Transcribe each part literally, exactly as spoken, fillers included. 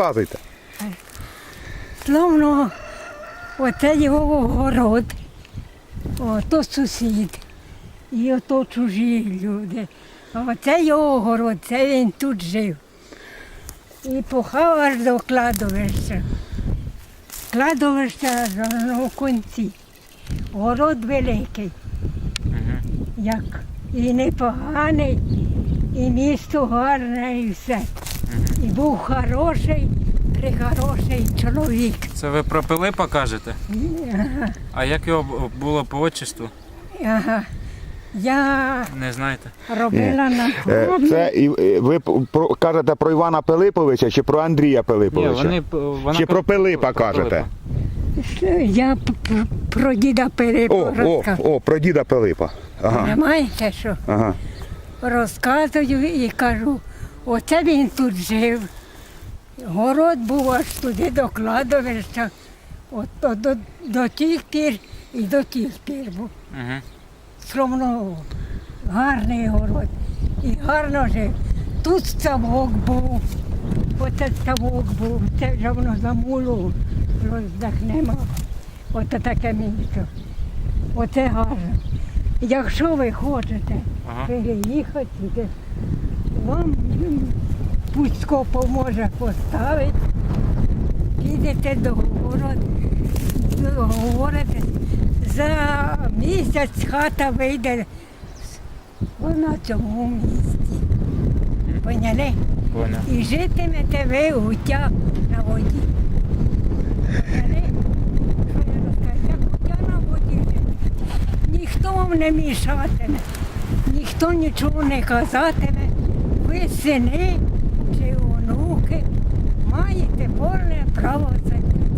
Розказуйте. Словно оце його город, ото сусід, і ото чужі люди. А оце його город, це він тут жив. І похав аж до кладовища. Кладовище на кінці. Город великий, як і непоганий, і місто гарне, і все. І був хороший, прихороший чоловік. Це ви про Пилипа кажете? Ага, А як його було по отчеству? ага. Я Не знаєте? робила на Е, фермі. Це і е, ви про, кажете про Івана Пилиповича чи про Андрія Ні, Пилиповича? вони, вона Чи про Пилипа про кажете? Пилипа. Я п- п- про діда Пилипа О, о, розказую. о, про діда Пилипа. Ага. Понимаєте, що? Ага. Розказую і кажу, оце він тут жив. Город був аж туди до кладовища, от, до, до, до тих пір і до тих пір був. Мгм. Словно гарний город. І гарно жив. Тут ставок був, оце ставок був, це вже воно замуло, роздахнемо. Оце таке місце. Оце гарно. Якщо ви хочете Ага. переїхати сюди, вам м, Пуцько поможе поставити, підете до городу, говорите, за місяць хата вийде на цьому місці. Поняли? Поняв. І житимете ви гуття на воді. Поняли? Що я розкажу? Як гуття на воді жити. Ніхто вам не мішатиме, ніхто нічого не казатиме. Ви сини чи онуки маєте повне право це.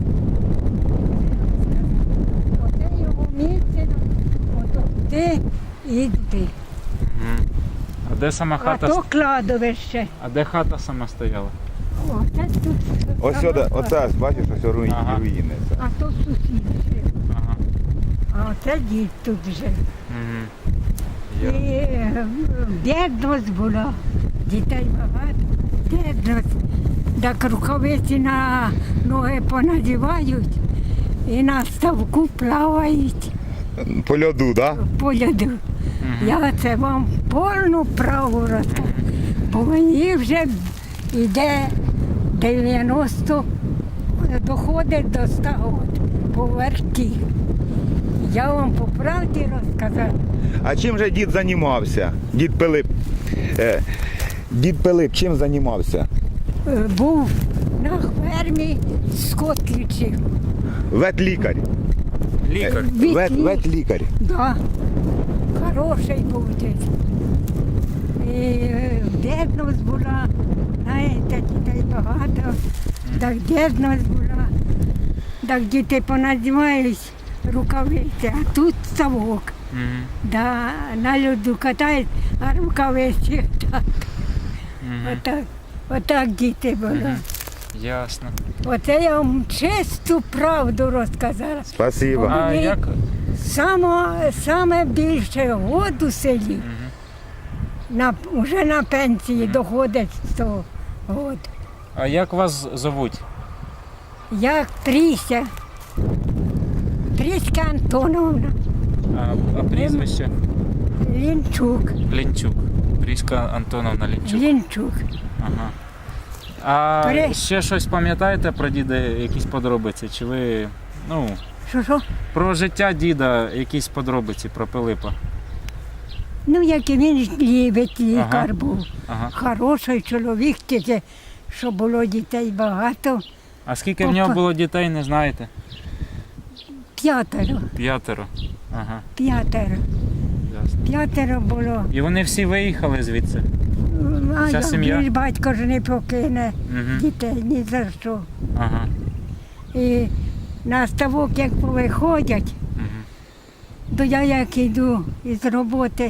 Оце його місце, ото ти і ти. Мгм. А де сама А хата? то ст- кладовище. А де хата сама стояла? Оце тут. Ось сюди, оце, бачиш, ось руїни. Ага. руїни. це. А то сусід жив. Ага. А оце дід тут жив. Мгм. І Я- е, бідність була, дітей багато, бідність. Так рукавиці на ноги понадівають і на ставку плавають По льоду, так? Да? по льоду. Мгм. Я це вам повну праву розкажу, бо мені вже йде дев'яносто, доходить до ста років по верті. Я вам по правді розказала. А чим же дід займався? Дід Пилип. Е, дід Пилип чим займався? Е, Був на фермі, скот лічив. Ветлікар. Лікар. Вет, ветлікар. Да. Хороший був дід. І е, бідність була, знаєте, дітей багато, так бідність була. Так діти понадівають рукавиці, а тут ставок. Мгм. Да, на льоду катають, а рукавиці так. Мгм. Отак, отак діти були. Мгм. Ясно. Оце я вам чисту правду розказала. Спасибо. А Мені як? Саме, саме більше год у селі, Мгм. на, вже на пенсії доходить сто год. А як вас зовуть? Як Тріся, Тріська Антоновна, А, а прізвище? Лінчук, Лінчук. Пріська Антоновна Лінчук. Лінчук. Ага. А Пере- ще щось пам'ятаєте про діда, якісь подробиці? Чи ви, ну, Що, що? про життя діда якісь подробиці про Пилипа? Ну, як і він любить, лікар Ага. був. Ага. Хороший чоловік, тільки, що було дітей багато, А скільки в нього Опа. було дітей, не знаєте? п'ятеро, П'ятеро. Ага, п'ятеро, ясно. п'ятеро було. І вони всі виїхали звідси? А Вся як сім'я? ж батько ж не покине Угу. дітей ні за що. Ага. І на ставок, як повиходять, Угу. то я як йду із роботи,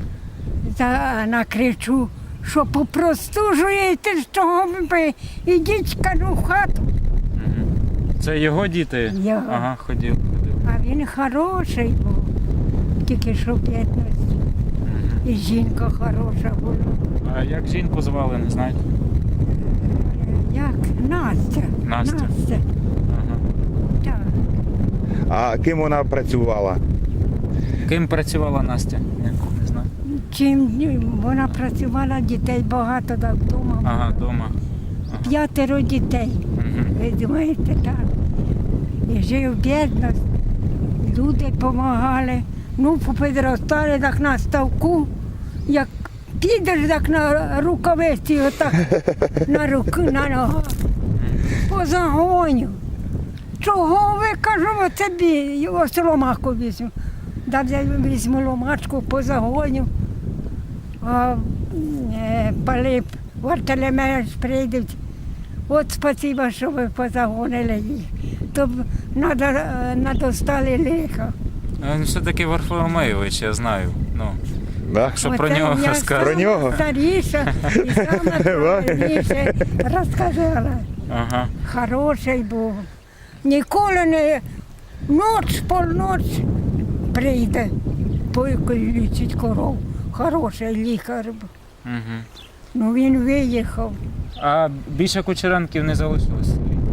за, накричу, що попростужуєте, що ви ідіть, кажу, в хату. Угу. Це його діти? Його. Ага, ходив, ходив. А він хороший був, тільки що бідність. Угу. І жінка хороша була. А як жінку звали, не знаєте? Як? Настя. Настя. Настя. Ага. Так. А ким вона працювала? Ким працювала Настя? Я не знаю. Чим вона працювала, дітей багато так вдома. Ага, вдома. П'ятеро дітей. Угу. Ви думаєте, так. І жив бідно, люди допомагали. Ну, попідростали так на ставку, як підеш так на рукавиці, отак на руки, на ногах. По загоню. Чого ви, кажу, оце бі, ось ломаку візьму. Да я візьму ломачку по загоню. А е, Пилип, Вартелемеш прийдуть. От спасибо, що ви позагонили їх. То б надо- надостали лиха. Він все-таки Варфоломеєвич, я знаю. Ну, Да? що про Оце нього я розказати? Про нього? Старіша і саме правильніше розказала. Ага. Хороший був. Ніколи не ноч, полноч прийде, лічить коров. Хороший лікар був. Угу. Ну він виїхав. А більше Кучеренків не залишилось?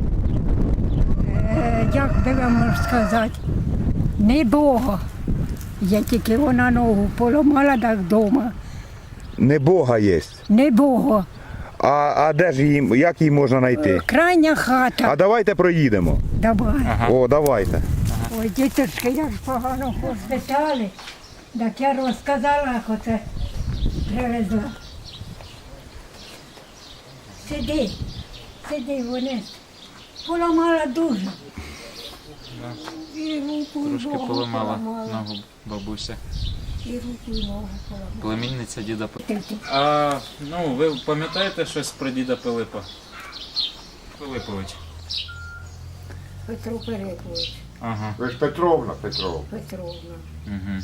Е, як би вам можу сказати, не Бога. Я тільки вона ногу поламала так вдома. Не Бога є. Не Бога. А, а де ж її, як її можна знайти? Крайня хата. А давайте проїдемо. Давай. Ага. О, давайте. Ой, діточки, як ж погано поспитали. Так я розказала, як оце привезла. Сиди, сиди, вони поламала дуже. І руку, і Трошки ногу поламала ногу бабуся. І руку, і ногу поламала. Племінниця діда Пилипа. Ти- ти- А, ну, ви пам'ятаєте щось про діда Пилипа? Пилипович. Петро Пилипович, Ага. Ви ж Петровна, Петровна. Петровна. Угу.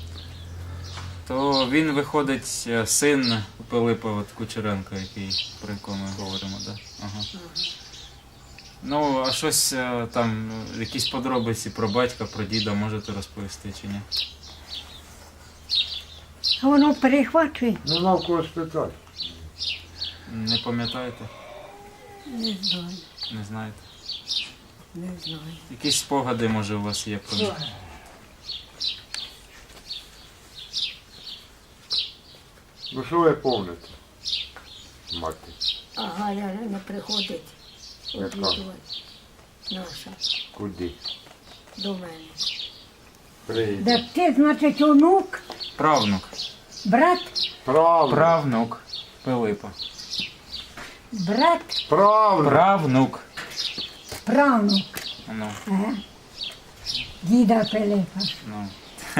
То він виходить е, син Пилипа от Кучеренка, який, про якого ми говоримо, да? Ага. Ну, а щось е, там, е, якісь подробиці про батька, про діда можете розповісти чи ні? А воно перехвачує? Нема в кого спитати. Не пам'ятаєте? Не знаю, Не знаєте? не знаю. Якісь спогади, може, у вас є про них? Ну що ви пам'ятаєте? Мати. А Галя не приходить Яка? обідувати. Наша, Куди? до мене. Прийде. Так ти, значить, онук, Правнук. брат, Правда. Правнук Пилипа. брат, Правда. Правнук. правнук. Ну, Ага. Діда Пилипа. ну.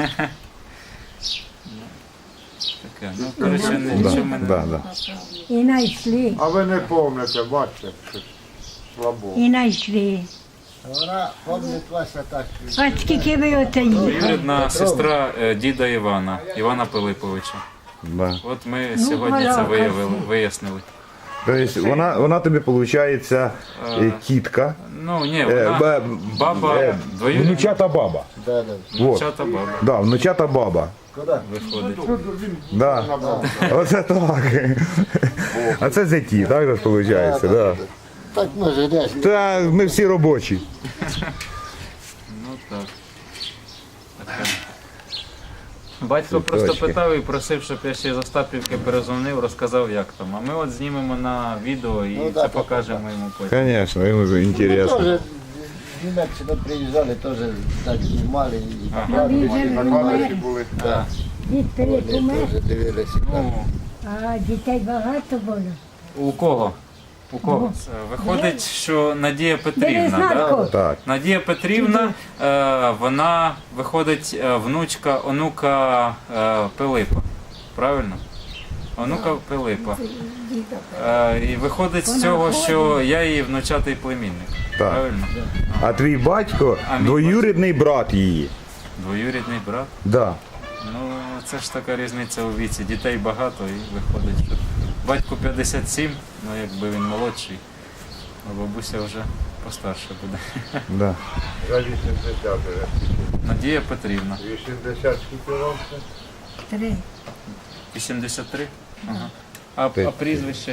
Таке. Ну, коротше, нічого Да, мене. да, да. І знайшли, А ви не пам'ятаєте, бачите, що слабо. і знайшли. Вона пам'ятає Вася так. А скільки ви оце їхали? Двоюрідна сестра е, діда Івана, Івана Пилиповича. Да. От ми Ну, сьогодні це Галя, виявили, красиво. вияснили. Тобто вона, вона тобі, виходить, тітка. Ну, ні, Е, вона бе- баба е, двоюрідна. Внучата баба. Да, да. Вот. Внучата баба Да, внучата баба. Куди? виходить. Да. Оце так. А це зяті, так же виходить, да. Так може десь. Та ми всі робочі. Ну так. Таке. Батько просто Цвіточки. питав і просив, щоб я ще з Остапівки перезвонив, розказав, як там. А ми от знімемо на відео і Ну, це да, так, покажемо йому потім. Звісно, йому ж інтересно. Теж з Німеччини приїжджали, теж так знімали і Ага. А він же На не камері умер, були. Да. дід Пилип вони умер, теж дивилися. Ну, а дітей багато було. у кого? У кого? Це Виходить, що Надія Петрівна, да? Березнатко. Так. Надія Петрівна, е, вона виходить е, внучка, онука е, Пилипа. Правильно? Онука Пилипа. Діда Пилипа. Е, і виходить з цього, що я її внучатий племінник. Так. Правильно? А твій батько А мій двоюрідний брат її. Двоюрідний брат. Да. Ну, це ж така різниця у віці. Дітей багато і виходить, що батько п'ятдесят сім, ну якби він молодший, а бабуся вже постарше буде. Да. За вісімдесят вже. Надія Петрівна. вісімдесят скільки вам це? Три. вісімдесят три? Ага. А, а Ти- прізвище як?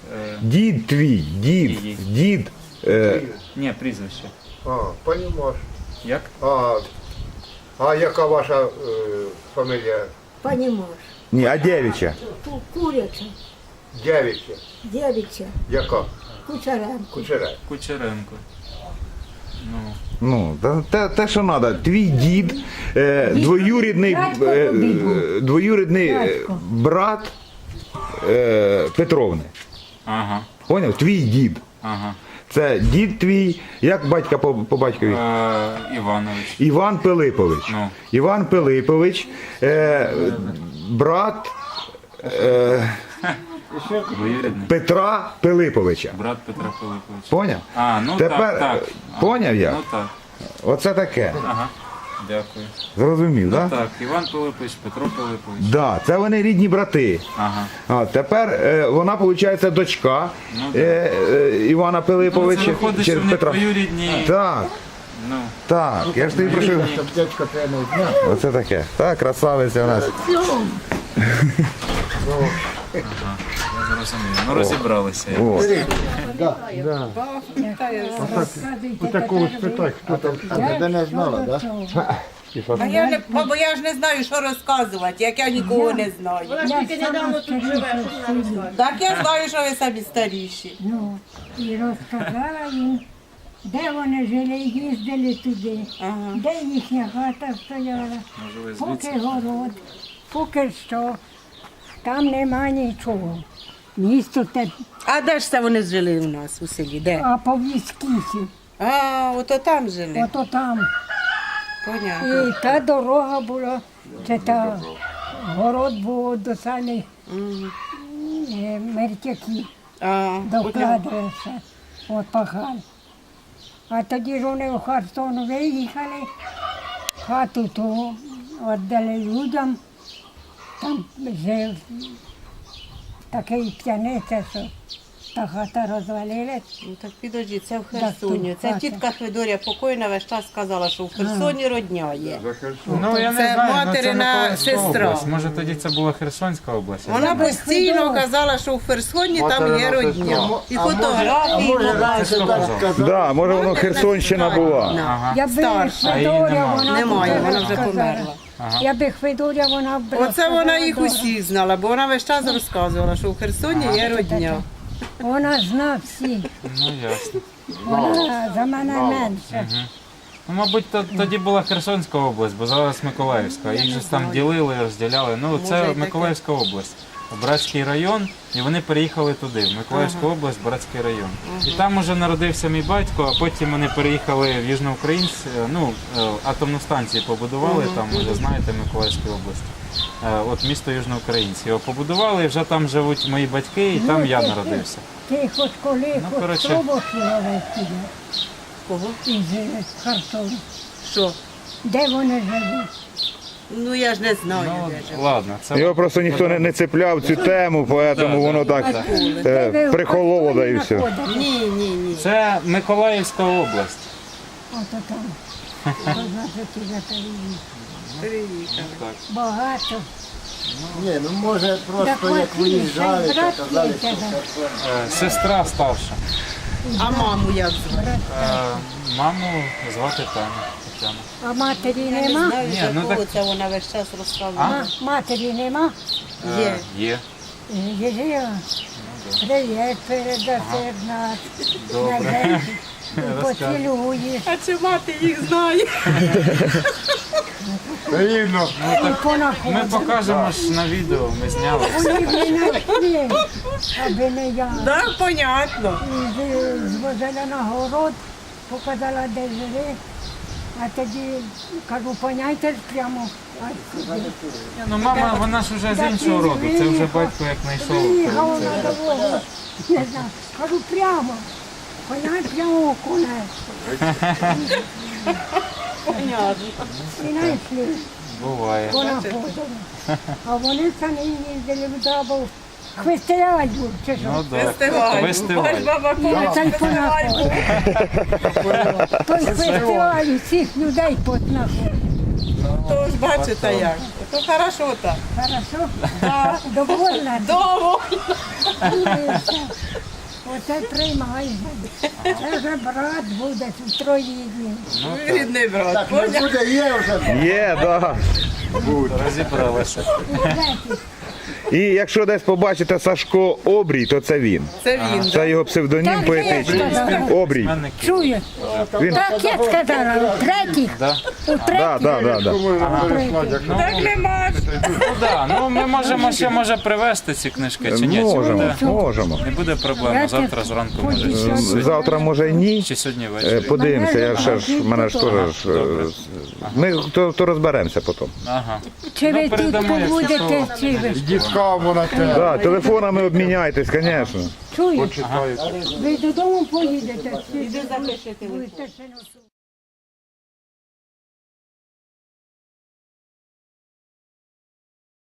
Е, Дід твій, дід, Її. дід. Е, ні, прізвище. А, понімаєш. Як? А, а яка ваша е, фамілія? Понимаешь, ні, а дівча. ку- куриця, Дявіча. дівча, Яка? кучеренко. Кучера. Кучеренко. Ну, Ну, та- те, те, що треба. Твій дід, е, двоюрідний, Дядько е, тобі був. е, двоюрідний е, Дядько. брат е, Петровни. ага, Поняв? Твій дід. ага. Це дід твій, як батька по, по батькові? Е, Іванович. Іван Пилипович. Ну. Іван Пилипович, е, брат е, Двоюрідний. Петра Пилиповича. Брат Петра Пилиповича. Поняв? А, ну Тепер, так, так. А, поняв я? Ну так. Оце таке. Ага. Дякую. Зрозумів, Ну так? так, Іван Пилипович, Петро Пилипович. Да, це вони рідні брати. Ага. А тепер е, вона, виходить, дочка Ну, да. е, е, Івана Ну, Пилиповича. це виходить, що через в них Петра. двоюрідні. Так, Ну, так, я ж тобі прошу. Щоб дядько тебе не знав. Оце таке. Так, красавиця у нас. я зрозумів. Ну розібралися. я. О. У такого спитати, хто там. Тебе не знала, так? Да? А я не, бо я ж не знаю, що розказувати, як я нікого не знаю. Так я знаю, що ви самі старіші. Ну, і розказала їм, де вони жили, їздили туди, Ага. де їхня хата стояла, Може ви поки звідси? город, поки що, там нема нічого. Місто те, А де ж це вони жили у нас у селі? Де? а по віскісі, А, ото там жили. ото там. Понятно. І та дорога була, це та город був до самих Мгм. е, мертяків. А, Докладується, от пахали. А тоді ж вони в Херсон виїхали, хату ту віддали людям, там жив такий п'яниця, що та хата розвалилась. ну так підожди, це в Так, Херсоні. тут Це хата. тітка Хвидоря покойна весь час сказала, що в Херсоні родня є. Ну, я не Це знаю, ну, материна Миколаївська сестра. область. Може тоді це була Херсонська область? я Вона не знаю. постійно Хвидора. казала, що в Херсоні там є Материна родня. сестра. І фотографії. Може, показують. раніше хто так казав? сказав. Да, може воно Херсонщина була. Ага. Якби Старша. А її Хвидоря, нема. вона Немає, б вона це вже сказала. померла. Якби Хвидоря, вона б Оце вона розказала їх добре. усіх знала, бо вона весь час розказувала, що в Херсоні є родня. Вона зна всі, Ну ясно. вона за мене менше. Ну, мабуть, то, тоді була Херсонська область, бо зараз Миколаївська. Їх же ж там ділили, розділяли. Ну, Може, і це таке. Миколаївська область. Братський район, і вони переїхали туди, в Миколаївську область, Братський район. І там уже народився мій батько, а потім вони переїхали в Южноукраїнськ, ну, е, атомну станцію побудували, там, може, знаєте, в Миколаївській області. Е, От місто Южноукраїнськ. Його побудували, і вже там живуть мої батьки, і там я народився. Ти хоч коли, Ну, хоч коротше. спробував сюди Кого? із е, Херсону. Що? Де вони живуть? Ну я ж не знаю, Ну, де живе. ладно, це Його просто ніхто не, не цепляв цю тему, тому воно так е, прихололо да і все. знаходите? Ні, ні, ні. Це Миколаївська область. Ото там. То значить, і за телевізор. Приїхали. Так. Багато. Ні, ну може Так просто як Василь, виїжджали, це то брат казали, є що тебе. Херсон. Е, Сестра старша. А маму як звати? Е, Маму звати Таня. Тетяна. А матері Я не нема? знаю, Ні, з ну якого так- це вона весь час розказувала. А, матері нема? Е, Є. Є. Єжия. Привіт, передаси нас. Добре. Поцілуєш. А чи мати їх знає? Рівно. І Ми понаходимо. покажемо ж на відео, ми зняли. Вони б не знайшли, аби не я. Так, понятно. І з- звозила на город, показала, де жили. А тоді кажу, поняйте ж прямо. А сюди. Ні, ну мама, вона ж вже з іншого роду. Це вже батько як знайшов. Виїхав Це- на дорогу. Не знаю. Кажу, прямо. Поняй прямо у коне. Понятно. І знайшли, Буває. понаходили. А вони самі їздили в Дабов. Хвистеляють був, чи що? Ну так. Фестиваль. Фестиваль. Ваш баба Я Коля, цей фестиваль був. Той фестиваль всіх людей потнаходив. То ж бачите як. То хорошо так. Хорошо? Да. Довольна? Довго. Дивися. Оце приймай. Це вже брат буде в троїдні. Рідний брат. Так, не Поняв? буде, є вже. Є, да. Розібралися. І третій. І якщо десь побачите Сашко Обрій, то це він. Це він. Це його псевдонім Так, поетичний. я сказала. Обрій. Письменники. Чує? Він... Так я сказала, у третій. Да. У Да, третій. да, да, да. Можна переслати, як Так нема. Ну да, ну ми можемо ще може привезти ці книжки чи ні? Чи Можемо, буде? можемо. Не буде проблем. Завтра зранку може. чи сьогодні- Завтра може й ні. Чи сьогодні Е, ввечері. Подивимося, я ще ж мене ж теж. ж, е, Ми то, то розберемося потім. Ага. Чи ви Ну, тут передамо, якщо побудете, що. чи ви? дітка вона те Да, телефонами обміняйтесь, звісно. Чуєте? почитає. Ви додому поїдете? Чи Іди запиши телефон. будете ще носити?